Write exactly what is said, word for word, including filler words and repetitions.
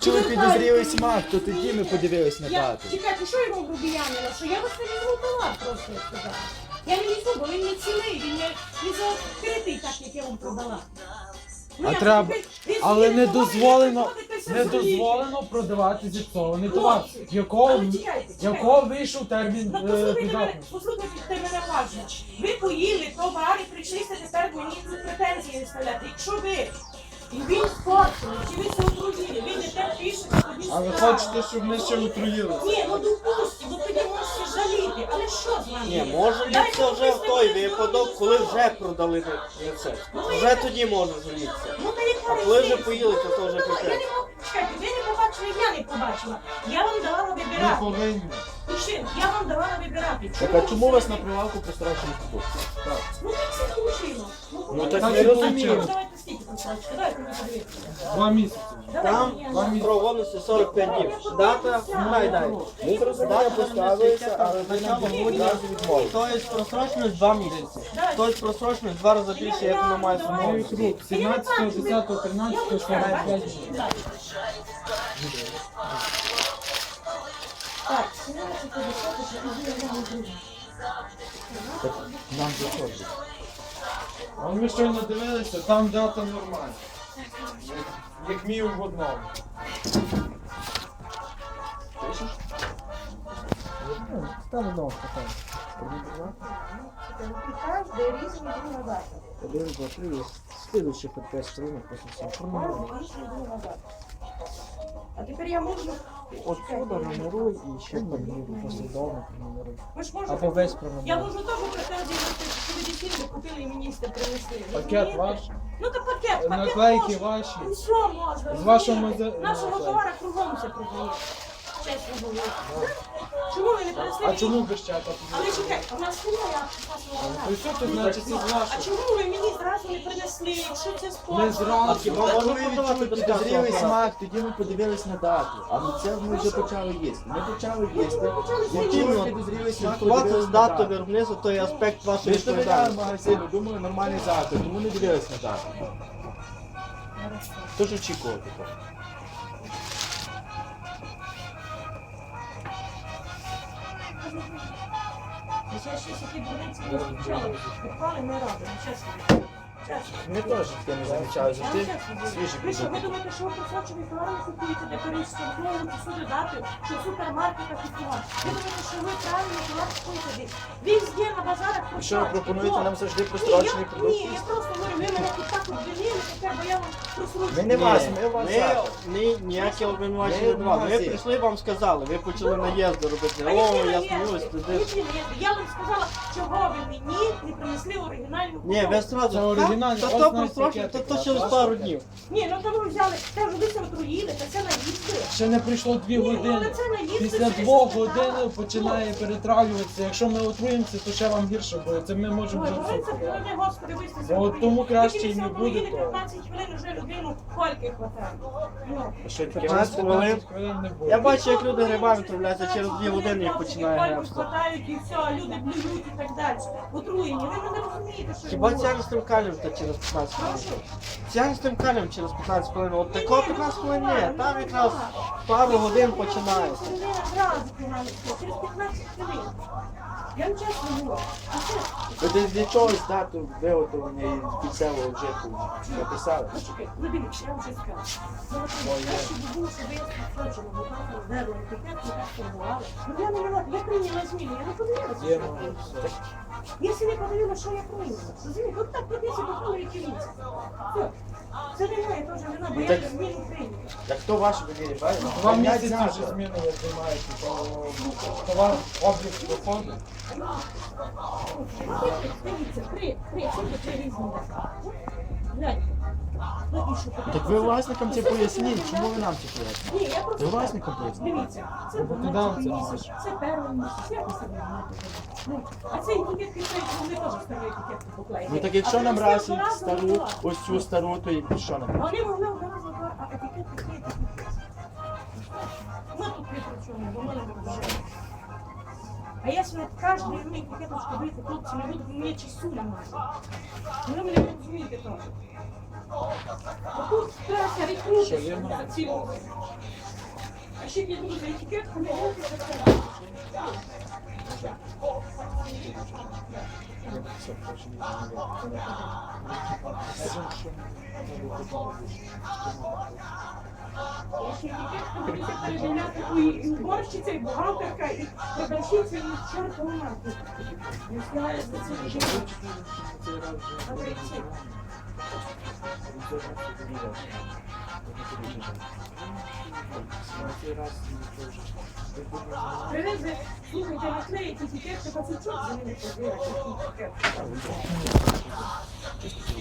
Чули підозрілий смак, то тоді ми подивились на Я, дату. чекайте, що йому грубіянила? Що я вас не візьму товар, просто я сказала. Я не візьму, бо він не цілий, він не, не закритий так, як я вам продала. Ну, А я треба, ви- ви але з'їли не товар, дозволено, ви ходите не в селі. дозволено продавати зіпсований товар. Хлопці, Якого, але чекайте, чекайте. якого вийшов термін Ну, е, послухайте мене, придатності? послухайте мене уважно. Ви поїли товар і прийшлися тепер мені тут претензії виставляти. Якщо ви і він спортили, чи ви це отруїли, ви не те пишете, тоді А ви справа. хочете, щоб ми ще отруїли? Ні, ну допустимо, ну тоді можете жаліти, але що з вами? Ні, може Дайте літься вже в мені той свої випадок, коли вже продали рецепт. Вже тоді може жалітися. Ну, та яка А коли вже різниця? поїли, то Ну, то вже ну, таке. Я не можу, чекайте, ви не побачили, я не побачила. Я вам давала Ми вибирати. повинні. І ще, я вам давала вибирати. Так а чому у вас на прилавку прострочений продукт? Ну так все получило. Ну так Так ми і розуміємо. получилось. Давайте скільки посадочки, давайте ми подивимося. Два місяці. Там Давайте, я- строк годності сорок п'ять днів. Дата, дай дай. Ми зрозуміло поставилися, але ви нам одразу відмовили. Тобто просроченість два місяці. Тобто просроченість два рази більше, як воно має Давай. самому. Новий круг. сімнадцятого, десятого, тринадцятого, сорок п'ять днів. Так, сімнадцяте, десяте, що я не друге. Нам заходить. А ми щойно дивилися, там дата нормальна. Як мінімум в одному. Там одного питання. Каждый різні друга дата. Один, два, три, слідуючий п'ять сторінок, просто все. Кожен різні друга дата. А тепер я можу... Отсюда нумеруй і ще проміруй, послідовно проміруй. Ви ж можете... Або весь Я проміруй. можу теж претензії, що ви дитину купили і мені сте принесли. Пакет розумієте? ваш, Ну то пакет, пакет наклейки можна. ваші. Ну що можна? З вашого розумієте? мазе- Нашого наклейки. товара кругом все продає. Чесно говорю. Чому ви не принесли? А мені? чому без чата? Але чекай, у нас немає вашого То що тут значить це з А вашого? чому ви мені зразу не принесли, якщо це спорт? Не зразу. Хіба Коли можна ви продавати відчули без підозрілий касового смак, тоді ми подивились на дату. А ми це ми вже почали їсти. Ми почали їсти. почали Як їсти. чули підозрілий смак, Слідкувати подивились з на датою дату. виробництва, то є аспект Ми вашої ж довіряли відповідальності. магазину, думали нормальний заклад, тому не дивились на дату. Хто ж очікував такого? Я ще такі дурниці не зустрічала. Відпали не радимо, чесно. Чесно. Ми теж таке не замічали, Я завжди вам чесно говорю. свіжі Ви що, ви продукти. думаєте, що ви просрочений товар не купуєте, де перештовхнули сюди дати, що в супермаркетах і товар? Ви думаєте, що ви правильно товар купуєте десь? Везде на базарах І що ви просрочки. пропонуєте О, нам завжди ні, прострочений я- продукт? Ні, я просто говорю, ви мене тут так обвинили, тепер, бо я вам просрочую. Ми не вас, ми вас Ми, заклад. ми ніякі обвинувачення Ми не давали. Ми магазин. прийшли, вам сказали, ви почали наїзди робити. А О, які я наїзди? сміюсь, туди. Які наїзди? Я вам сказала, чого ви мені не принесли оригінальну Ні, ви упаковку. сразу, Це оригінальний, та ось то навіть просрочено, то пакетик, то через а, пару так? днів. Ні, ну то ви взяли, кажу, ви це отруїли, та це наїзди. Ще не пройшло дві Ні, ну, години. але це наїзди, Після це двох що годин так. починає перетравлюватися. Якщо ми отруємося, то ще вам гірше буде. Це ми можемо Ой, вже говорить, все це подати. хвилини, господи, ви сте От тому краще і не буде того. п'ятнадцять хвилин вже людину кольки хватає. Ну. Що таке? п'ятнадцять хвилин. п'ятнадцять хвилин не буде. Я бачу, як люди грибами травляться, через дві години їх починає Кольки гребсти. хватають і все, а люди блюють і так далі. Отруєні, ви не розумієте, що Хіба я говорю. ціаністим калієм то через п'ятнадцять хвилин? Прошу. Ціаністим калієм через п'ятнадцять хвилин. От Ні, такого ні, п'ятнадцять ну, хвилин буває, ні. ну, Там буває. якраз пару годин починається. Це не одразу фіналістка, через п'ятнадцять хвилин. Я вам чесно говорю. А це, Ви десь для чогось дату виготовлення і кінцевого вжитку написали? ну, чекай, ну дивіться, я вам щось скажу. Ну, от, краще б було, щоб я співсочила, бо там роздерла етикет, ми так торгували. Ну я не вела, я прийняла зміни, я не подивилася, що я прийняла. Якщо не подивилася, що я прийняла, розумієте, от так подивіться, до того і дивіться. Все. Це не моє теж вина, бо Ну, я так- зміну прийняла. Так хто ваші довірі, правильно? Два П'ять місяці заклад. вже зміни ви займаєте, то товар облік доходить. Дивіться, три, три, тільки три різні дати. Гляньте. Ну, і що, Так ви власникам це поясніть, чому ви нам це пояснюєте? Ні, я просто... Ви власникам поясніть? Дивіться, це Роботодавця. дванадцятий місяць, це перший місяць, як ви себе знаєте? Ну, а цей етикет підклеїть, вони теж стару етикетку поклеїли. Ну так якщо А нам вони раз одразу стару, готували. ось цю стару, то і що нам? Вони могли одразу, а етикет підклеїти. Ну тут не при чому, бо мене не вже. А якщо на кожну мені етикеточку брати, хлопці не будуть мені часу немає. Ви мене не розумієте теж. Бо тут треба рекрутити цілу. А ще є дуже етикетку, не можна сказати. Ще етикетку будете передивляти і і уборщиця, і бухгалтерка, і продавщиця, і чортова мати. Не знаю, за це вже. А ви ці? Привези, слухайте, наклеїть етикетки, пацючок за ними подивиться.